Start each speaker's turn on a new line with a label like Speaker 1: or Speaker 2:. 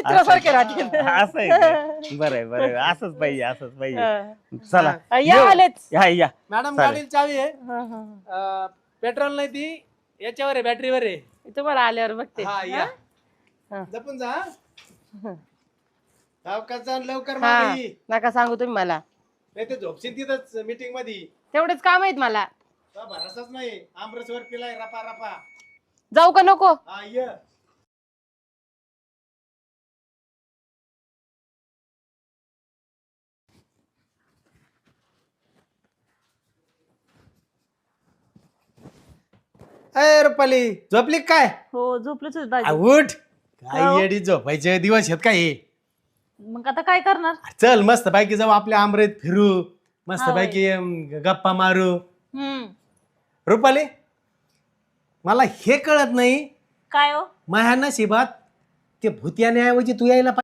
Speaker 1: मित्रासारखे राहतील.
Speaker 2: असं आहे का? बरं बरं, असंच पाहिजे असंच पाहिजे. चला
Speaker 1: या आलेच.
Speaker 2: या
Speaker 3: मॅडम
Speaker 2: चालेल.
Speaker 3: गाडीला चावी आहे.
Speaker 1: हा, हा.
Speaker 3: पेट्रोल नाही ती याच्यावर आहे, बॅटरीवर आहे.
Speaker 1: तुम्हाला आल्यावर बघते.
Speaker 3: हा या
Speaker 1: हा.
Speaker 3: जपून जा. सावकाश जा लवकर
Speaker 1: हा
Speaker 3: मागे.
Speaker 1: नका सांगू तुम्ही मला,
Speaker 3: नाही ते झोपशील तिथंच मीटिंग मध्ये.
Speaker 1: तेवढेच काम आहेत मला.
Speaker 3: तो भरोसाच नाही, आमरसवर पिलाय रपा रपा.
Speaker 1: जाऊ का नको?
Speaker 3: हा ये. अय रुपाली झोपली काय?
Speaker 4: हो झोपलेच होते
Speaker 3: आ,
Speaker 4: दाजी.
Speaker 3: उठ. काय येडी झोपायचे दिवस आहेत काय हे?
Speaker 4: मग आता काय करणार?
Speaker 3: चल मस्त पैकी जाऊ आपल्या आमरेत फिरू, मस्त
Speaker 4: हा,
Speaker 3: पैकी गप्पा मारू.
Speaker 4: हम्म.
Speaker 3: रुपाली मला हे कळत नाही,
Speaker 4: काय हो?
Speaker 3: माझ्या नशिबात ते भूत्याने ऐवजी तू यायला